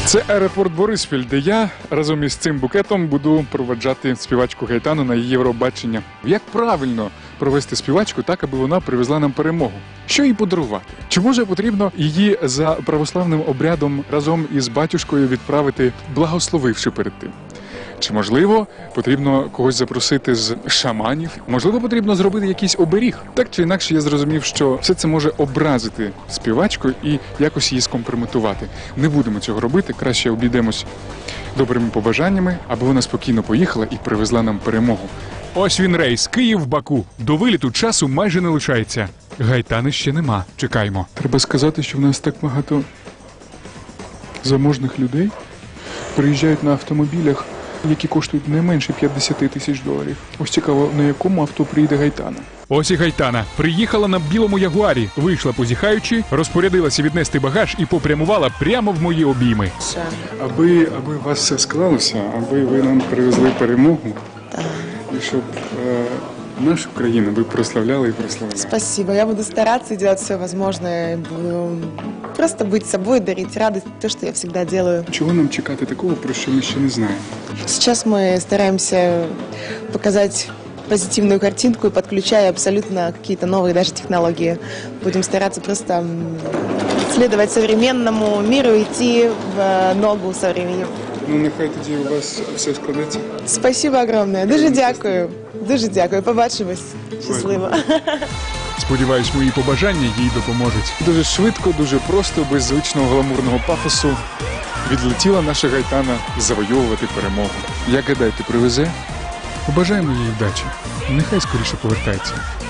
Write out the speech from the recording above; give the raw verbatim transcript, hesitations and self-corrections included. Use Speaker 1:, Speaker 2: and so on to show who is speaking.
Speaker 1: Це аеропорт Бориспіль, де я разом із цим букетом буду проводжати співачку Гайтану на її Євробачення. Як правильно провести співачку так, аби вона привезла нам перемогу? Що їй подарувати? Чи може потрібно її за православним обрядом разом із батюшкою відправити, благословивши перед тим? Чи, можливо, потрібно когось запросити з шаманів? Можливо, потрібно зробити якийсь оберіг? Так чи інакше, я зрозумів, що все це може образити співачку і якось її скомпрометувати. Не будемо цього робити, краще обійдемось добрими побажаннями, аби вона спокійно поїхала і привезла нам перемогу.
Speaker 2: Ось він рейс Київ-Баку. До виліту часу майже не лишається. Гайтани ще нема. Чекаємо.
Speaker 1: Треба сказати, що в нас так багато заможних людей приїжджають на автомобілях, які коштують не менше п'ятдесят тисяч доларів. Ось цікаво, на якому авто приїде Гайтана.
Speaker 2: Ось і Гайтана. Приїхала на білому ягуарі, вийшла позіхаючи, розпорядилася віднести багаж і попрямувала прямо в мої обійми.
Speaker 1: Аби, аби у вас все склалося, аби ви нам привезли перемогу, і щоб е, нашу країну ви прославляли і прославляли.
Speaker 3: Спасибо. Я буду стараться и делать все возможное. Буду просто быть собой, дарить радость, то, что я всегда делаю.
Speaker 1: Чого нам чекати такого, про що ми ще не знаємо?
Speaker 3: Сейчас мы стараемся показать позитивную картинку и подключая абсолютно какие-то новые даже технологии. Будем стараться просто м, следовать современному миру, идти в ногу со временем.
Speaker 1: Ну, нехай тоді у вас все складеться.
Speaker 3: Спасибо огромное. Дуже дякую. Дуже дякую. Побачимось. Щасливо.
Speaker 2: Сподіваюсь, мої побажання їй допоможуть.
Speaker 1: Дуже швидко, дуже просто, без звичного гламурного пафосу відлетіла наша Гайтана завойовувати перемогу. Як гадаєте, привезе?
Speaker 2: Побажаємо їй вдачі. Нехай скоріше повертається.